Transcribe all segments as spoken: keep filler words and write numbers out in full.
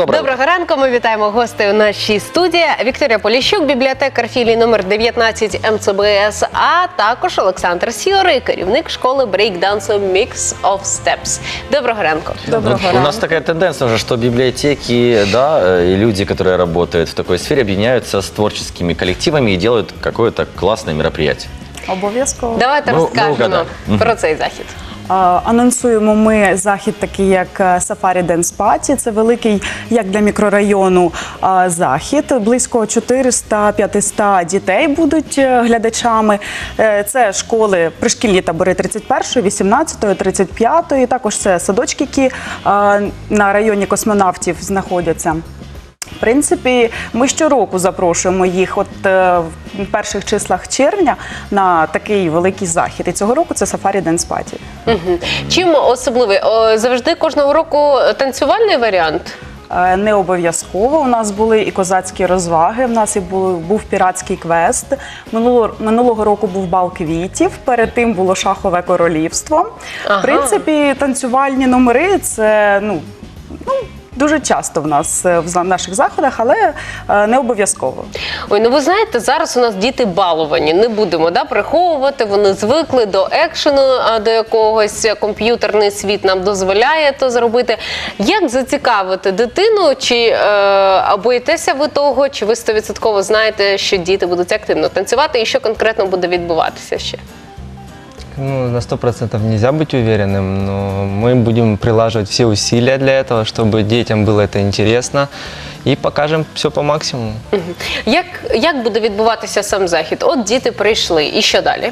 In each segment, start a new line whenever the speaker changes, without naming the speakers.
Доброго.
Доброго ранку, ми вітаємо гостей у нашій студії. Вікторія Поліщук, бібліотекар філії номер дев'ятнадцять ем це бе ес, а також Олександр Сіорий, керівник школи брейкдансу Mix of Steps. Доброго ранку.
Доброго
Ну,
ранку.
у нас такая тенденция уже, что библиотеки, да, и люди, которые работают в такой сфере, объединяются с творческими коллективами и делают какое-то классное мероприятие.
Обов'язково.
Давайте
Ну,
розкажемо
ну-ка, да.
про цей захід.
А, Анонсуємо ми захід такий, як Safari Dance Party. Це великий, як для мікрорайону, а, захід. Близько чотириста-п'ятсот дітей будуть е, глядачами. Е, Це школи, пришкільні табори тридцять першої, вісімнадцятої, тридцять п'ятої. Також це садочки, які а, на районі космонавтів знаходяться. В принципі, ми щороку запрошуємо їх от е, в перших числах червня на такий великий захід. І цього року це Safari Dance Party.
Мгм. Чим особливий? О, завжди кожного року танцювальний варіант?
Е, Не обов'язково. У нас були і козацькі розваги, в нас і був, був піратський квест. Минулого, минулого року був бал квітів, перед тим було шахове королівство.
Ага.
В принципі, танцювальні номери – це, ну, ну, дуже часто в нас е, в за- наших заходах, але е, не обов'язково.
Ой, ну ви знаєте, зараз у нас діти баловані, не будемо да, приховувати, вони звикли до екшену, а до якогось комп'ютерний світ нам дозволяє то зробити. Як зацікавити дитину, чи е, боїтеся ви того, чи ви сто відсотків знаєте, що діти будуть активно танцювати і що конкретно буде відбуватися ще?
Ну, на сто процентов нельзя быть уверенным, но мы будем прилаживать все усилия для этого, чтобы детям было это интересно, и покажем все по максимуму.
Мгм. Як, як буде відбуватися сам захід? От діти прийшли, і що далі?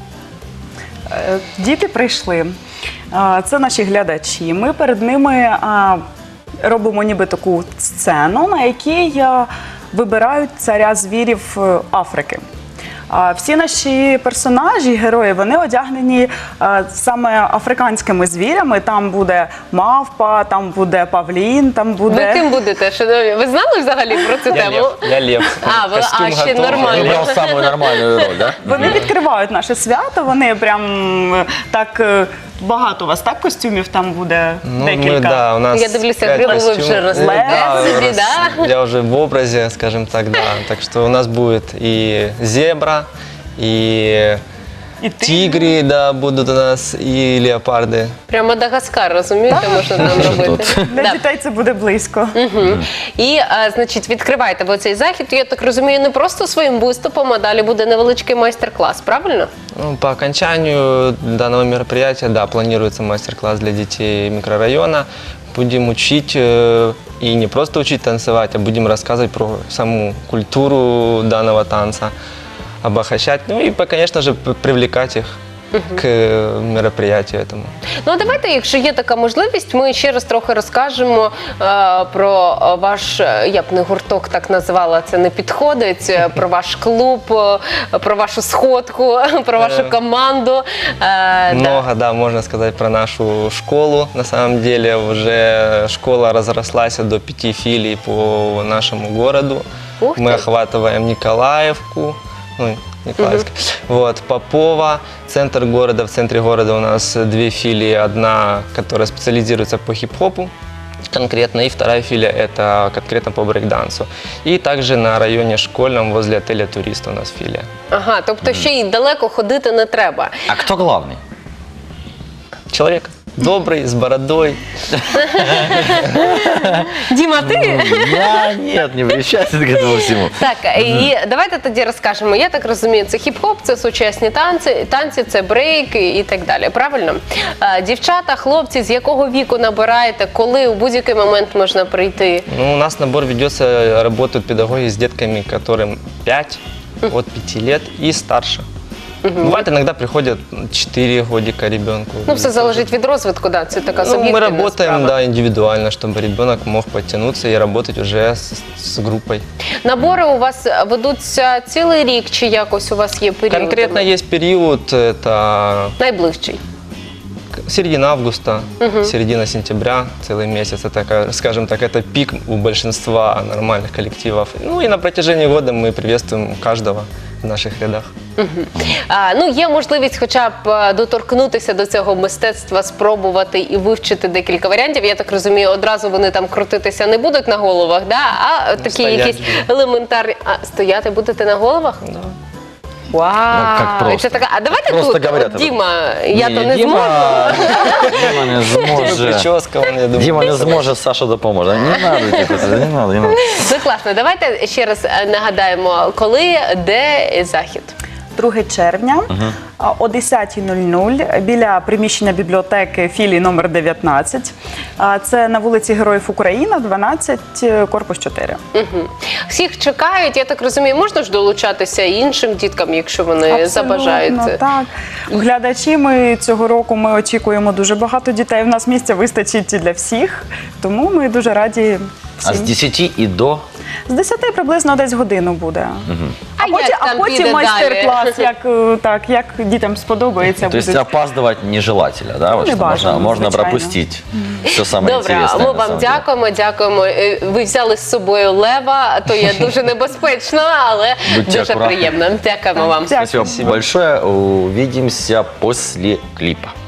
Е, Діти прийшли. А, Це наші глядачі. Ми перед ними а, робимо ніби таку сцену, на якій а, вибирають царя звірів е, Африки. А Всі наші персонажі, герої, вони одягнені а, саме африканськими звірями. Там буде мавпа, там буде павлін, там
Ви
буде...
ким будете, шановні? Ви знали взагалі про цю
Я
тему?
лев, я лев.
А, ви-
Костюм
а, ще
готов.
нормально.
Выбрал самую нормальную роль, да?
Вони відкривають наше свято, вони прям е, так е, багато у вас, так, костюмів там буде
Ну,
декілька.
мы, да, у нас
Я дивлюся,
пять
гриву ви вже
костюмов.
росли.
Да,
Собі,
рас-
да?
Я уже в образе, скажем так, да. Так что у нас будет и зебра, и
І ти.
тигры, да, будут у нас, и леопарды.
Прямо Мадагаскар, розумієте, можна там робити.
Для
Да.
дітей це буде близько.
Мгм. І, а, значить, відкриваєте ви цей захід, я так розумію, не просто своїм виступом, а далі буде невеличкий майстер-клас, правильно?
Ну, по окончанию данного мероприятия, да, планируется мастер-класс для детей микрорайона. Будем учить, э, и не просто учить танцевать, а будем рассказывать про саму культуру данного танца, обогащать, ну и, по- конечно же, п- привлекать их к э, мероприятию этому.
Ну, а давайте, якщо є така можливість, ми ще раз трохи розкажемо е, про е, ваш, е, я б не гурток так назвала, це не підходить, е, про ваш клуб, е, про вашу сходку, про вашу
Е,
команду. Е, да.
Много, да, можно сказать про нашу школу. На самом деле уже школа разрослась до пяти филий по нашему городу.
Ух
Мы
ты.
охватываем Николаевку, ну, Николаевск, вот, Попова, центр города. В центре города у нас две филии. Одна, которая специализируется по хип-хопу конкретно, и вторая филия – это конкретно по брейкдансу. И также на районе школьном возле отеля «Турист» у нас филия.
Ага, тобто ще й далеко ходити не треба.
А кто главный?
Человек добрый, с бородой.
Діма, ти?
Я нет, не причастен к этому всему.
Так, і давайте тоді розкажемо. Я так розумію, це хіп-хоп, це сучасні танці, танці, це брейк і і так далі. Правильно? Е, Дівчата, хлопці, з якого віку набираєте, коли у будь-який момент можна прийти?
Ну, у нас набор ведется, работают педагоги с детками, которым пять, от пяти лет и старше. Бывает, иногда приходят четыре годика ребенку.
Ну, все залежить від розвитку, да, це така
Ну, мы
суб'єктивна
работаем,
справа.
да, индивидуально, чтобы ребенок мог подтянуться и работать уже с, с группой.
Набори у вас ведуться цілий рік, чи якось у вас є період?
Конкретно есть период, это
Найближчий.
середина августа, середина сентября, целый месяц. Это, ка- скажем так, это пик у большинства нормальных коллективов. Ну и на протяжении года мы приветствуем каждого, в наших рядах.
А, ну, є можливість хоча б е, доторкнутися до цього мистецтва, спробувати і вивчити декілька варіантів. Я так розумію, одразу вони там крутитися не будуть на головах, да? а такі
стоять
якісь
будуть.
елементарні. А стояти будете на головах?
Да.
Вау!
Ну, як просто.
Це така... А давайте
Просто
тут,
говорять
от,
об
Діма, я
Ні,
то не
Діма,
зможу.
Діма не зможе.
Прическа, вон, я думаю.
Дима не зможе, Саша допоможе. Не надо, типу, це, не надо, не надо.
Ну, класно. Давайте ще раз е, нагадаємо, коли, де захід.
другого червня а, о десята нуль нуль біля приміщення бібліотеки філії номер дев'ятнадцять. А, Це на вулиці Героїв України, дванадцять, корпус чотири.
Угу. Всіх чекають, я так розумію, можна ж долучатися і іншим діткам, якщо вони забажають.
Так. Глядачі ми цього року ми очікуємо дуже багато дітей. У нас місця вистачить для всіх, тому ми дуже раді
А з
всім.
десяти і до?
З десяти приблизно десь годину буде.
А
А потім,
як
а
там
потім
піде
майстер-клас, як, е, так, як дітям сподобається.
То есть
будуть.
опаздывать нежелательно, да? Вот
Не
что
бажано,
можно, можно
звичайно.
пропустить все самое
Добре,
интересное.
ми
на
вам
самом деле.
дякуємо, дякуємо. Е, Ви взяли з собою лева, то є дуже небезпечно, але
Будьте
дуже
акуратні.
приємно. Дякуємо вам.
Дякую.
Спасибо большое. Увидимся после клипа.